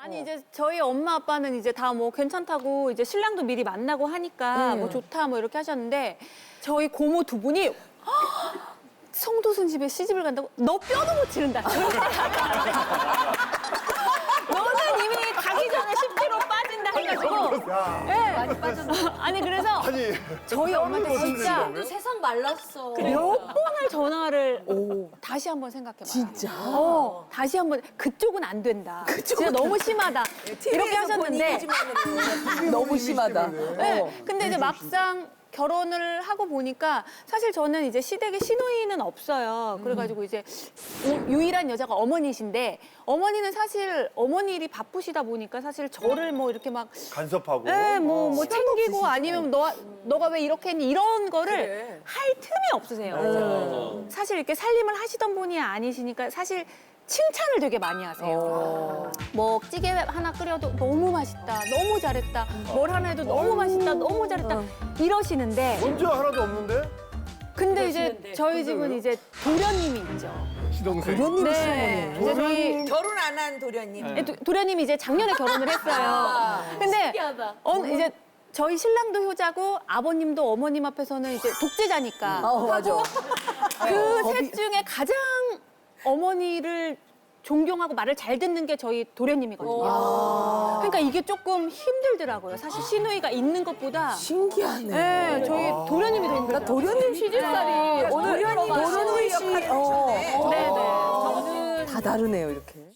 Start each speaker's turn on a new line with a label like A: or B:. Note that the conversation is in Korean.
A: 아니 이제 저희 엄마 아빠는 이제 다 뭐 괜찮다고 이제 신랑도 미리 만나고 하니까 뭐 좋다 뭐 이렇게 하셨는데 저희 고모 두 분이 성도순 집에 시집을 간다고 너 뼈도 못 치른다. 너는 이미 가기 전에 10kg 빠진다 해가지고. 네. 많이 빠졌어. 아니 그래서
B: 아니
A: 저희 엄마한테 진짜
C: 세상 말랐어.
A: 몇 번을 전화를 다시 한번 생각해봐.
D: 진짜?
A: 다시 한번 그쪽은 안 된다. 진짜 너무 심하다. 이렇게 하셨는데.
D: 너무 심하다.
A: 네. 근데 이제 막상 결혼을 하고 보니까 사실 저는 이제 시댁에 시누이는 없어요. 그래가지고 이제 유일한 여자가 어머니신데 어머니는 사실 어머니 일이 바쁘시다 보니까 사실 저를 뭐 이렇게 막
B: 간섭하고.
A: 네, 뭐 챙기고 아니면 너가 왜 이렇게 했니 이런 거를 할 틈이 없으세요. 사실 이렇게 살림을 하시던 분이 아니시니까 사실 칭찬을 되게 많이 하세요. 뭐 찌개 하나 끓여도 너무 맛있다, 너무 잘했다, 뭘 하나 해도 너무 맛있다, 너무 잘했다 이러시는데
B: 문제 하나도 없는데?
A: 근데 이제 저희 집은 이제 도련님이 있죠.
B: 시동생.
D: 도련님이
A: 네, 이제 저희
E: 결혼 안 한 도련님.
A: 도련님이 이제 작년에 결혼을 했어요. 근데 이제 저희 신랑도 효자고 아버님도 어머님 앞에서는 이제 독재자니까
D: 맞아.
A: 그 셋 중에 가장 어머니를 존경하고 말을 잘 듣는 게 저희 도련님이거든요. 그러니까 이게 조금 힘들더라고요. 사실 시누이가 있는 것보다.
D: 신기하네.
A: 네, 저희 도련님이 더 힘들어요.
D: 도련님 시집살이 오늘 도련님 씨,
A: 네네.
D: 다 다르네요 이렇게.